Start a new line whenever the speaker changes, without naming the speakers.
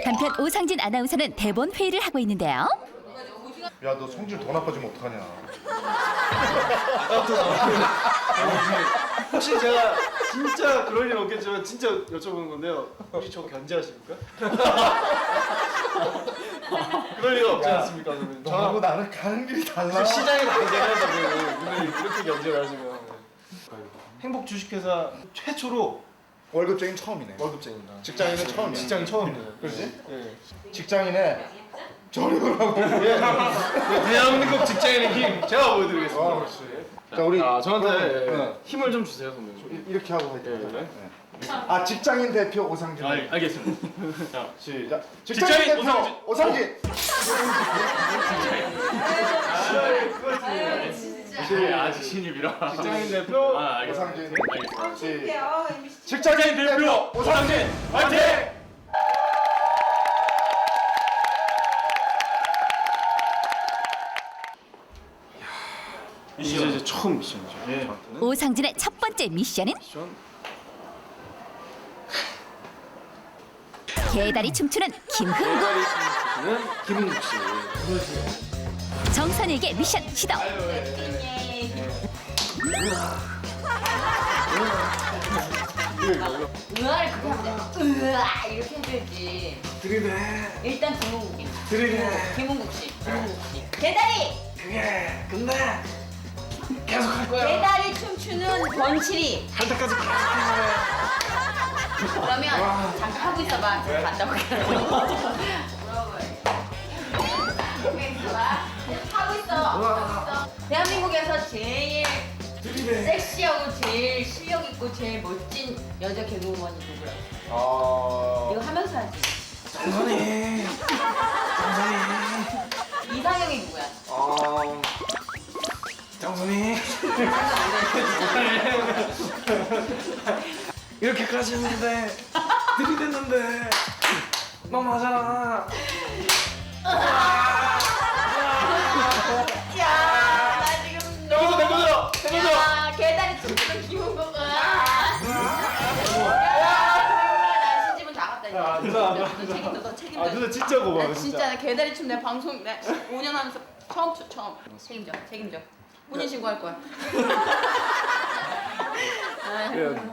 한편 오상진 아나운서는 대본 회의를 하고 있는데요.
야, 너 성질 더 나빠지면 어떡하냐.
혹시 제가 진짜 그럴 일 없겠지만 진짜 여쭤보는 건데요. 혹시 저 견제하십니까? 그럴 리가 없지 않습니까? 그러면
너하고 나는 가는 길이 달라.
시장에 견제해가지고 오늘 이렇게 견제를 하시면 행복 주식회사 최초로
월급쟁이는 처음이네.
월급쟁입니다.
직장인은 처음이야.
직장인 처음이에요.
그렇지?
예.
직장인의 저렴을 하고.
예. 대한민국 직장인의 힘 제가 보여드리겠습니다.
그렇지. 자, 우리
저한테
네.
힘을 좀 주세요, 선배님.
이렇게 하고 할게요.
네.
아, 직장인 대표 오상진.
알겠습니다. 자,
시작.
직장인
대표
오상진.
오상진.
아직 신입이라.
직장인 대표
알겠습니다.
오상진.
알겠습니다.
직장인 대표 오상진.
화이팅!
이제 처음 미션이죠.
예.
저한테는.
오상진의 첫 번째 미션은
미션.
개다리 춤추는 김흥국.
는 김은국 씨.
정선에게 미션 시도.
으아를 그렇게 하면 돼. 으아 이렇게 해줘야지.
들이대.
일단 김은국이.
들이대.
김은국 씨. 개다리.
그게 근데 계속 할 거야.
개다리 춤추는 권칠이.
할 때까지 계속 할 거야.
그러면 잠깐 하고 있어봐. 제가 갔다 올게. 물어봐요. 하고 있어. 대한민국에서 제일 섹시하고 제일 실력 있고 제일 멋진 여자 개그우먼이 누구야? 이거 하면서 하지.
정선이.
이상형이 누구야?
정선이. 이렇게까지 했는데 들이댔는데 너무하잖아.
야, 나 지금 너무.
내 거죠.
야, 개다리 춤추는 김은국. 나 신지문 다 갔다 이제. 너 책임져, 너 책임져.
누나 진짜 고마워.
나 진짜 나 개다리 춤 내 방송 내 5년 하면서 처음 춰 처음. 책임져. 혼인 신고할 거야.